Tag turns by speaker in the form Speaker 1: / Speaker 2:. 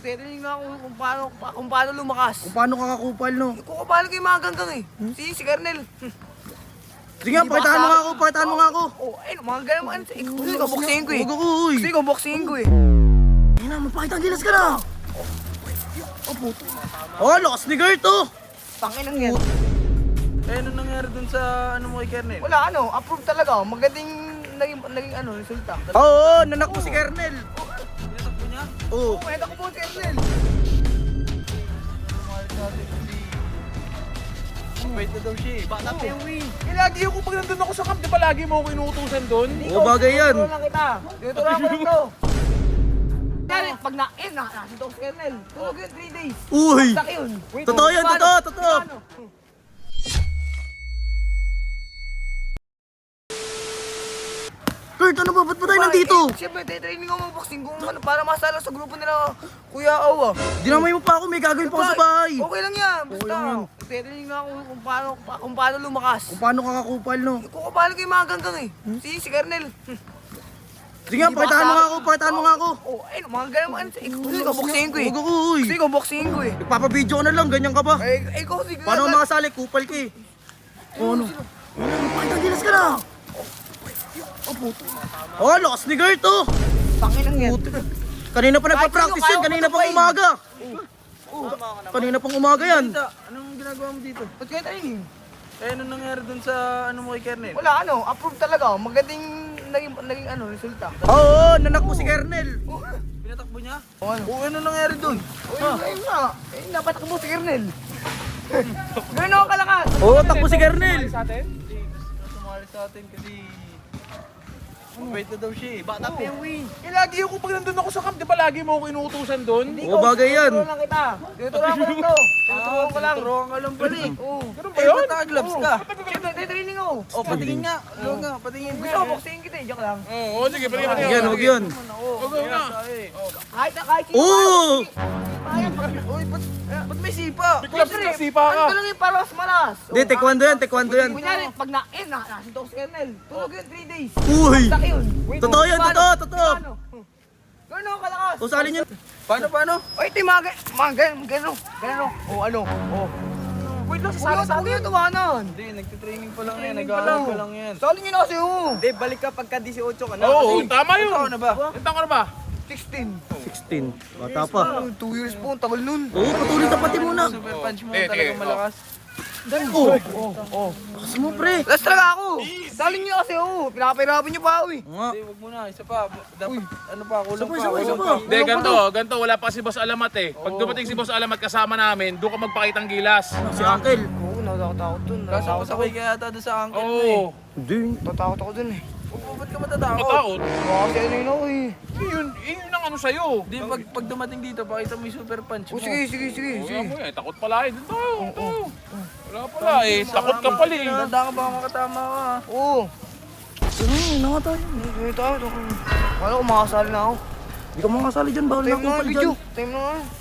Speaker 1: Titingnan nga ako kung paano lumakas.
Speaker 2: Kung paano ka kakupal, no?
Speaker 1: Kung paano kayo mga ganggang eh. Si Kernel.
Speaker 2: Sige nga, pakitaan mo nga ako, pakitaan mo nga ako.
Speaker 1: Oh, ayun, mga ganun. Gusto ko boxingin ko eh.
Speaker 2: Huwag ako, uy.
Speaker 1: Gusto ko boxingin ko eh.
Speaker 2: Ayun na, magpakita ang gilas ka na. Oh, puto. Oh, lakas ni Gert, oh.
Speaker 1: Tanginang yan.
Speaker 3: Eh, ano nangyari dun sa ano mo kay Kernel?
Speaker 1: Wala approve talaga. Magandang naging resulta.
Speaker 2: Oo, nanak mo si Kernel.
Speaker 3: Tinatakbo niya?
Speaker 2: Oo.
Speaker 1: Kwenta ko po si Kernel.
Speaker 3: Wait na daw siya eh. Bata pa yung win.
Speaker 4: Eh, lagi ako pag nandun ako sa camp, di ba lagi mo ako inuutusan doon?
Speaker 2: Oo, bagay yan.
Speaker 1: Dito lang kita. Dito lang ako to. Kaya pag nasa to si Kernel. Tulog yun 3 days.
Speaker 2: Uy.
Speaker 1: Sak yun.
Speaker 2: Totoo yan,
Speaker 1: Paano?
Speaker 2: totoo, totoo.
Speaker 1: Paano?
Speaker 2: Gert, ano ba? Ba't ba tayo nandito?
Speaker 1: Siyempre, training ako mag-boxing kung ano, para masala sa grupo nila Kuya Awa.
Speaker 2: Dinamay mo pa ako, may gagawin pa ako sa bahay.
Speaker 1: Okay lang yan, basta.
Speaker 2: lang yan.
Speaker 1: Training nga ako kung paano lumakas.
Speaker 2: Kung paano ka kakupal, no?
Speaker 1: Kung paano kayo mga ganggang eh. Si Kernel.
Speaker 2: Sige nga, pakitaan mo nga ako, pakitaan mo nga ako.
Speaker 1: Oh, ayun, mga ganun. Gusto ko boxingin ko eh.
Speaker 2: Huwag ako, uy.
Speaker 1: Gusto ko boxingin ko eh.
Speaker 2: Nagpapabidyo ka na lang, ganyan ka ba?
Speaker 1: Ikaw sige.
Speaker 2: Paano ka makasali? Kupal ka eh. Oh, ano? Magpakita ang gilas ka na. Oh, puto. Oh, lakas ni Gert, oh.
Speaker 1: Tanginang yan.
Speaker 2: Kanina pa nagpa-practice yan, kanina pang umaga. Kanina pang umaga yan.
Speaker 3: Anong ginagawa mo dito?
Speaker 1: Ba't kayo training?
Speaker 3: Eh, ano nangyari dun sa ano mo kay Kernel?
Speaker 1: Wala approve talaga. Magandang naging resulta.
Speaker 2: Oo, nanak mo si Kernel.
Speaker 3: Pinatakbo niya?
Speaker 1: Oh, ano?
Speaker 3: Oo, ano nangyari dun?
Speaker 1: Ayun nga. Napatak mo si Kernel. Gano'n ako kalakas.
Speaker 2: Oo, takbo si Kernel.
Speaker 4: Sa atin?
Speaker 3: Hindi, sumali sa atin kasi... Wait na daw siya eh. Bata pa yung win.
Speaker 4: Eh, lagi ako pag nandun ako sa camp, di ba lagi mo ako inuutusan doon?
Speaker 2: Oo, bagay yan.
Speaker 1: Dito lang kita. Dito lang ako lang to. Tinuturuan ko lang.
Speaker 3: Turuan ka lang pala eh.
Speaker 1: Oo.
Speaker 4: Ganun ba
Speaker 3: Eh,
Speaker 4: yun?
Speaker 3: ba't naka-gloves ka?
Speaker 1: Siyempre, training ako.
Speaker 3: O, patingin nga. Huwag nga, patingin
Speaker 1: Gusto
Speaker 3: nga.
Speaker 1: ko boxingin kita eh. Joke lang.
Speaker 4: Oo, sige, pwede ka
Speaker 2: Huwag yan, huwag yun.
Speaker 4: Huwag na.
Speaker 1: Kahit sino.
Speaker 2: Oo!
Speaker 3: Uy, ba't may sipa?
Speaker 4: Clubs na sipa ka.
Speaker 1: Ano lang yung paras malas.
Speaker 2: Hindi, taekwondo yan, taekwondo yan.
Speaker 1: Kunyari, pag nasa to si Kernel. Tulog yun 3 days.
Speaker 2: Uy!
Speaker 1: Sak yun.
Speaker 2: Totoo yan,
Speaker 1: Paano?
Speaker 2: totoo, totoo.
Speaker 1: Paano? Gano'n ako kalakas.
Speaker 2: O, salin yun.
Speaker 3: Paano?
Speaker 1: Oy, ito yung mga gano'n. O ano? O.
Speaker 4: Wait lang,
Speaker 1: Huwag
Speaker 4: sasali sa
Speaker 1: yung
Speaker 4: atin.
Speaker 1: tumanan.
Speaker 3: Hindi, nagtitraining pa lang yan.
Speaker 1: Training
Speaker 3: Nag-aaral
Speaker 1: pa
Speaker 3: pa
Speaker 1: lang.
Speaker 3: lang yan.
Speaker 1: Sali nyo na kasi o.
Speaker 3: Hindi, balik ka pagka 18 ka na.
Speaker 4: Oo, tama yun.
Speaker 3: Ikaw na ba?
Speaker 4: Ilang taon ka na ba?
Speaker 1: 16.
Speaker 2: 16. Bata pa.
Speaker 1: 2 years po, ang tagal nun.
Speaker 2: Oo, patuloy ka pati muna.
Speaker 3: Super punch mo
Speaker 4: Eh,
Speaker 3: talagang
Speaker 4: eh,
Speaker 3: malakas.
Speaker 2: Oo. Lakas mo, pre.
Speaker 1: Last talaga ako. Sali nyo kasi o. Pinapahirapan nyo pa ako eh.
Speaker 2: Nga.
Speaker 3: Hindi, wag muna. Isa pa. Dapat, ano pa, kulang pa.
Speaker 2: Isa pa.
Speaker 3: Kulang pa.
Speaker 4: Hindi, ganito. Wala pa si Boss Alamat eh. Pag dumating si Boss Alamat kasama namin, doon ka magpakitang gilas.
Speaker 2: Si Uncle.
Speaker 1: Oo, natatakot dun.
Speaker 3: Kaso
Speaker 1: Natatakot ako.
Speaker 3: pasakay ka yata doon sa angkin mo eh.
Speaker 4: Oo.
Speaker 2: Hindi.
Speaker 1: Natatakot ako dun eh.
Speaker 3: Ba't ka matatakot?
Speaker 4: Matakot.
Speaker 1: Kasi ano yun ako eh.
Speaker 4: Yun ang ano sa'yo.
Speaker 3: Hindi, pag dumating dito, pakita mo yung super punch
Speaker 1: O
Speaker 3: mo.
Speaker 1: sige.
Speaker 4: Wala mo eh. Takot pala eh. Dito. Wala pala eh. Takot ka pala eh.
Speaker 3: Tanda ka baka makatama ka.
Speaker 1: Oo.
Speaker 2: Ano nga tayo?
Speaker 1: Ano tayo? Kala ko makasali na ako.
Speaker 2: Hindi ka makasali dyan, bawal na
Speaker 1: Time na nga
Speaker 2: kupal
Speaker 1: video.
Speaker 2: dyan.
Speaker 1: Time na nga.